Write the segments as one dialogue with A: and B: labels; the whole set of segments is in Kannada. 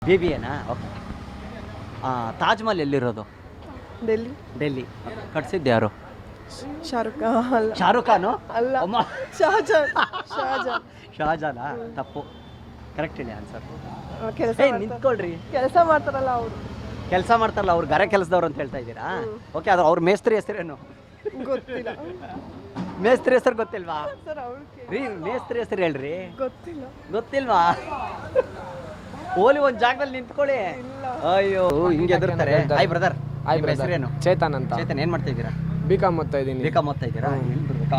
A: BBAನಾ? ಓಕೆ. ತಾಜ್ ಮಹಲ್ ಎಲ್ಲಿರೋದು?
B: ಡೆಲ್ಲಿ.
A: ಡೆಲ್ಲಿ. ಕಟ್ಸಿದ್ದು ಯಾರು?
B: ಶಾರುಖ್ ಖಾನ್ ಅಲ್ಲ.
A: ಶಾರುಖ್ ಖಾನು?
B: ಅಲ್ಲ.
A: ಅಮ್ಮ
B: ಶಹಜಾನ್. ಶಹಜಾನ್.
A: ಶಹಜಾನಾ? ತಪ್ಪು. ಕರೆಕ್ಟ್ ಹೇಳಿ ಆನ್ಸರ್.
B: ಕೆಲಸ
A: ನಿಂತ್ಕೊಳ್ರಿ.
B: ಕೆಲಸ ಮಾಡ್ತಾರಲ್ಲ ಅವರು.
A: ಕೆಲಸ ಮಾಡ್ತಾರಲ್ಲ ಅವ್ರು ಗಾರೆ ಕೆಲಸದವ್ರು ಅಂತ ಹೇಳ್ತಾ ಇದ್ದೀರಾ? ಓಕೆ, ಅದು ಅವ್ರ ಮೇಸ್ತ್ರಿ ಹೆಸರೇನು?
B: ಗೊತ್ತಿಲ್ಲ
A: ಮೇಸ್ತ್ರಿ ಹೆಸರು ಗೊತ್ತಿಲ್ವಾ?
B: ಸರ್ ಅವ್ರು
A: ರೀ ಮೇಸ್ತ್ರಿ ಹೆಸರು ಹೇಳ್ರಿ.
B: ಗೊತ್ತಿಲ್ಲ.
A: ಗೊತ್ತಿಲ್ವಾ? ಓಲಿ ಒಂದ್ ಜಾಗದಲ್ಲಿ ನಿಂತ್ಕೊಳ್ಳಿ.
B: ಇಲ್ಲ.
A: ಅಯ್ಯೋ ಹಿಂಗೆ ಎದುರ್ತಾರೆ. Hi brother.
C: Hi brother.
A: ಹೆಸರೇನು?
C: ಚೇತನ್ ಅಂತ.
A: ಚೇತನ್, ಏನ್ ಮಾಡ್ತಾ ಇದ್ದೀರಾ?
C: ಬಿಕಾಮ್ ಓದ್ತಾ ಇದ್ದೀನಿ.
A: ಬಿಕಾಮ್ ಓದ್ತಾ ಇದ್ದೀರಾ? ಎಲ್ಲಿ ಬರ್ಬೇಕಾ?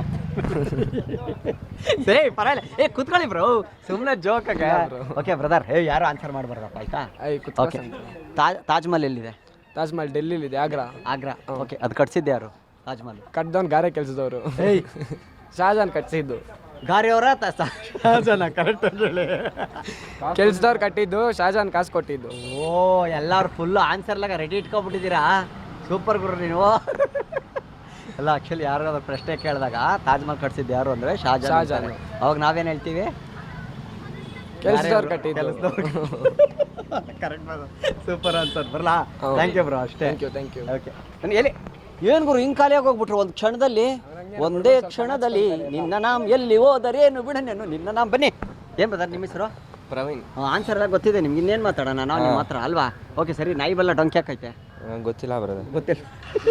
A: ಸೇ ಪರವಾಗಿಲ್ಲ. ಕುತ್ಕೊಳ್ಳಿ ಬ್ರೋ, ಸುಮ್ಮನೆ ಜೋಕ್ ಆಗ. ಓಕೆ ಬ್ರದರ್, ಯಾರು ಆನ್ಸರ್ ಮಾಡಬಾರ್ದಪ್ಪ, ಆಯ್ತಾ? ಓಕೆ. ತಾಜ್ ಮಹಲ್ ಎಲ್ಲಿದೆ?
C: ತಾಜ್ ಮಹಲ್ ಡೆಲ್ಲಿಲಿದೆ, ಆಗ್ರಾ.
A: ಆಗ್ರಾ. ಓಕೆ, ಅದು ಕಟ್ಸಿದ್ದು ಯಾರು? ತಾಜ್ ಮಹಲ್
C: ಕಟ್ದವ್ನು ಗಾರೆ ಕೆಲಸದವರು. ಶಹಜಾನ್ ಕಟ್ಸಿದ್ದು.
A: ಗಾರಿ ಅವರ ಶಹಜಾನ? ಕರೆಕ್ಟ್ ಹೇಳಿ.
C: ಕೆಲ್ಸದವ್ರು ಕಟ್ಟಿದ್ದು, ಶಹಜಾನ್ ಕಾಸು ಕೊಟ್ಟಿದ್ದು.
A: ಓ, ಎಲ್ಲಾರು ಫುಲ್ ಆನ್ಸರ್ಲಾಗ ರೆಡಿ ಇಟ್ಕೊಬಿಟ್ಟಿದ್ದೀರಾ. ಸೂಪರ್ ಗುರು ನೀವು. ಅಲ್ಲ, ಆಕ್ಚುಲಿ ಯಾರಾದ್ರೂ ಪ್ರಶ್ನೆ ಕೇಳಿದಾಗ ತಾಜ್ ಮಹಲ್ ಕಟ್ಸಿದ್ದು ಯಾರು ಅಂದ್ರೆ ಶಹಜಾನ್. ಅವಾಗ ನಾವೇನ್ ಹೇಳ್ತೀವಿ?
C: ಕೆಲ್ಸದವ್ರು ಕಟ್ಟಿದ್ದು.
A: ಕರೆಕ್ಟ್. Super answer. ಬರಲಾ? Thank you bro. ಅಷ್ಟೇ.
C: Thank you.
A: ಓಕೆ. ಎಲ್ಲಿ ಏನ್ ಗುರು ಹಿಂಗ್ ಖಾಲಿಯಾಗಿ ಹೋಗ್ಬಿಟ್ರು ಒಂದು ಕ್ಷಣದಲ್ಲಿ? ಒಂದೇ ಕ್ಷಣದಲ್ಲಿ ನಿನ್ನ ನಾಮ್ ಎಲ್ಲಿ ಹೋದರೇನು ಬಿಡನೇನು ನಿನ್ನ ನಾಮ್. ಬನ್ನಿ. ಏನ್ ಬ್ರದರ್ ನಿಮ್ಮ ಹೆಸರು?
C: ಪ್ರವೀಣ್.
A: ಆನ್ಸರ್ ಎಲ್ಲ ಗೊತ್ತಿದೆ ನಿಮ್ಗೆ, ಇನ್ನೇನು ಮಾತಾಡೋಣ? ನಾವು ನಿಮ್ಮ ಹತ್ರ ಅಲ್ವಾ? ಓಕೆ ಸರಿ. ನಾಯಿ ಬಲ್ಲ ಡೊಂಕಿ ಹಾಕೈತೆ?
C: ಗೊತ್ತಿಲ್ಲ ಬ್ರದರ್.
A: ಗೊತ್ತಿಲ್ಲ.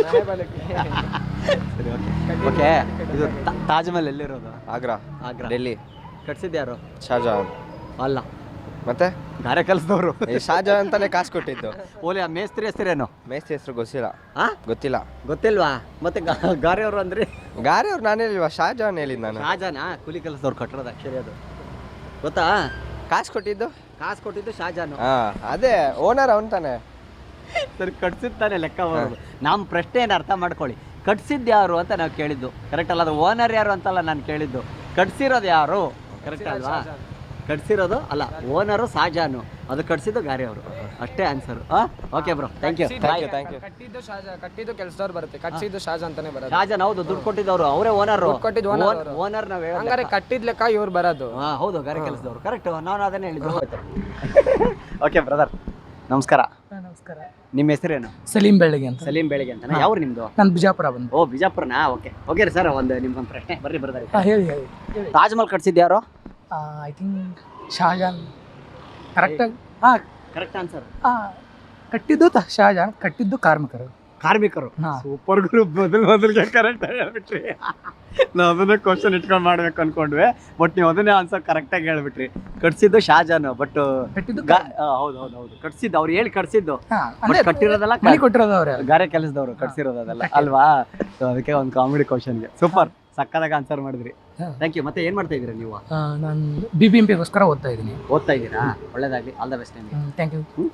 A: ಸರಿ, ಓಕೆ. ಓಕೆ, ಇದು ತಾಜ್ ಮಹಲ್ ಎಲ್ಲಿರೋದು?
C: ಆಗ್ರಾ.
A: ಆಗ್ರಾ.
C: ಡೆಲ್ಲಿ.
A: ಕಟ್ಸಿದ್ದು ಯಾರು?
C: ಶಹಜಾನ್.
A: ಅಲ್ಲ,
C: ಮತ್ತೆ
A: ಗಾರೆ ಕೆಲಸದವರು.
C: ಶಹಜಾನ್ ಅಂತಾನೆ ಕಾಸು ಕೊಟ್ಟಿದ್ದು.
A: ಓಲಿ, ಆ ಮೇಸ್ತ್ರಿ ಹೆಸರೇನು?
C: ಮೇಸ್ತ್ರಿ ಹೆಸರು ಗೊತ್ತಿಲ್ಲ.
A: ಗೊತ್ತಿಲ್ಲ. ಗೊತ್ತಿಲ್ವಾ? ಮತ್ತೆ ಗಾರೆ ಅವರು ಅಂದ್ರೆ?
C: ಗಾರೆ ಅವ್ರು ನಾನು ಹೇಳಿಲ್ವಾ, ಶಹಜಾನ್ ಹೇಳಿದ್ ನಾನು.
A: ಶಹಜಾನ ಕೂಲಿ ಕೆಲಸದವ್ರು ಕಟ್ಟಿರೋದು ಆಕ್ಚುಲಿ. ಅದು ಗೊತ್ತಾ?
C: ಕಾಸು ಕೊಟ್ಟಿದ್ದು
A: ಶಹಜಾನು.
C: ಅದೇ ಓನರ್ ಅವನ್ ತಾನೆ.
A: ಸರಿ, ಕಟ್ಸಿದ್ದಾನೆ ಲೆಕ್ಕ ಬರೋದು. ನಮ್ಮ ಪ್ರಶ್ನೆ ಏನು ಅರ್ಥ ಮಾಡ್ಕೊಳ್ಳಿ. ಕಟ್ಸಿದ್ದು ಯಾರು ಅಂತ ನಾವು ಕೇಳಿದ್ದು, ಕರೆಕ್ಟ್ ಅಲ್ಲ? ಅದು ಓನರ್ ಯಾರು ಅಂತಲ್ಲ ನಾನು ಕೇಳಿದ್ದು. ಕಟ್ಸಿರೋದು ಯಾರು? ಕರೆಕ್ಟ್ ಅಲ್ವಾ? ಕಟ್ಸಿರೋದು ಅಲ್ಲ, ಓನರು ಶಹಜಾನು, ಅದು ಕಟ್ಸಿದ್ದು ಗಾರೆ ಅವರು. ಅಷ್ಟೇ answer. Okay bro, thank you.
C: ಕಟ್ಟಿದ್ದು ಕೆಲಸದವ್ರು ಬರುತ್ತೆ, ಕಟ್ಸಿದ್ದು ಶಹಜಾನ್ ಅಂತಾನೆ ಬರೋದು.
A: ಶಹಜಾನ್ ಹೌದು, ದುಡ್ಡು ಕೊಟ್ಟಿದ್ದವರು ಅವರೇ. ಓನರ್ ಓನರ್ ನಾವು
C: ಹಂಗಾರೆ ಕಟ್ಟಿದ್ ಲೆಕ್ಕ ಇವ್ರು ಬರೋದು.
A: ಹೌದು, ಗಾರೆ ಕೆಲಸದವರು. ಕರೆಕ್ಟ್, ನಾನು ಅದನ್ನೇ ಹೇಳಿದ್ದು. ಓಕೆ ಬ್ರದರ್, ನಮಸ್ಕಾರ.
B: ನಮಸ್ಕಾರ.
A: ನಿಮ್ಮ ಹೆಸರೇನು?
D: ಸಲೀಂ ಬೆಳಗ್ಗೆ ಅಂತ.
A: ಸಲೀಂ ಬೆಳಗ್ಗೆ ಅಂತ. ಯಾವ ನಿಮ್ದು?
D: ನಾನು ಬಿಜಾಪುರ ಬಂದು.
A: ಓ, ಬಿಜಾಪುರನಾ? ಓಕೆ. ಓಕೆ ರೀ ಸರ್, ನಿಮ್ಗೊಂದು ಪ್ರಶ್ನೆ. ಬರ್ರಿ ಬ್ರದರ್.
D: ಹೇಳಿ ಹೇಳಿ.
A: ತಾಜ್ ಮಹಲ್ ಕಟ್ಸಿದ್ದು ಯಾರು?
D: I think Shahjahan. ಕರೆಕ್ಟಾಗಿ
A: ಕರೆಕ್ಟ್ ಆನ್ಸರ್.
D: ಕಟ್ಟಿದ್ದು ಶಹಜಾನ್, ಕಟ್ಟಿದ್ದು ಕಾರ್ಮಿಕರು.
A: ಸೂಪರ್ ಗುರು. ಮೊದಲಿಗೆ ಕರೆಕ್ಟ್ ಹೇಳ್ಬಿಟ್ರಿ. ನಾವು ಅದನ್ನೇ ಕ್ವಶನ್ ಇಟ್ಕೊಂಡು ಮಾಡ್ಬೇಕು ಅನ್ಕೊಂಡ್ವಿ, ಬಟ್ ನೀವು ಅದನ್ನೇ ಆನ್ಸರ್ ಕರೆಕ್ಟಾಗಿ ಹೇಳ್ಬಿಟ್ರಿ. ಕಟ್ಸಿದ್ದು ಶಹಜಾನ್, ಬಟ್
D: ಕಟ್ಟಿದ್ದು
A: ಹೌದು ಹೌದು ಹೌದು, ಕಟ್ಸಿದ್ದು ಅವ್ರು ಹೇಳಿ ಕಟ್ಸಿದ್ದು.
D: ಅಂದ್ರೆ
A: ಕಟ್ಟಿರೋದಲ್ಲ,
D: ಮನೆ ಕೊಟ್ಟಿರೋದು ಅವ್ರೆ,
A: ಗಾರೆ ಕೆಲಸದವರು ಕಟ್ಸಿರೋದು ಅದೆಲ್ಲ ಅಲ್ವಾ? ಅದಕ್ಕೆ ಒಂದು ಕಾಮಿಡಿ ಕ್ವಶನ್ಗೆ ಸೂಪರ್ ಸಕ್ಕದಾಗ ಆನ್ಸರ್ ಮಾಡಿದ್ರಿ. Thank you. ಮತ್ತೆ ಏನ್ ಮಾಡ್ತಾ ಇದ್ದೀರಾ ನೀವು?
D: ನಾನು BBMP ಗೋಸ್ಕರ ಓದ್ತಾ ಇದ್ದೀನಿ.
A: ಓದ್ತಾ ಇದ್ದೀರಾ? ಒಳ್ಳೇದಾಗ್ಲಿ. ಆಲ್ ದ ಬೆಸ್ಟ್ ನಿಮಗೆ.
D: Thank you.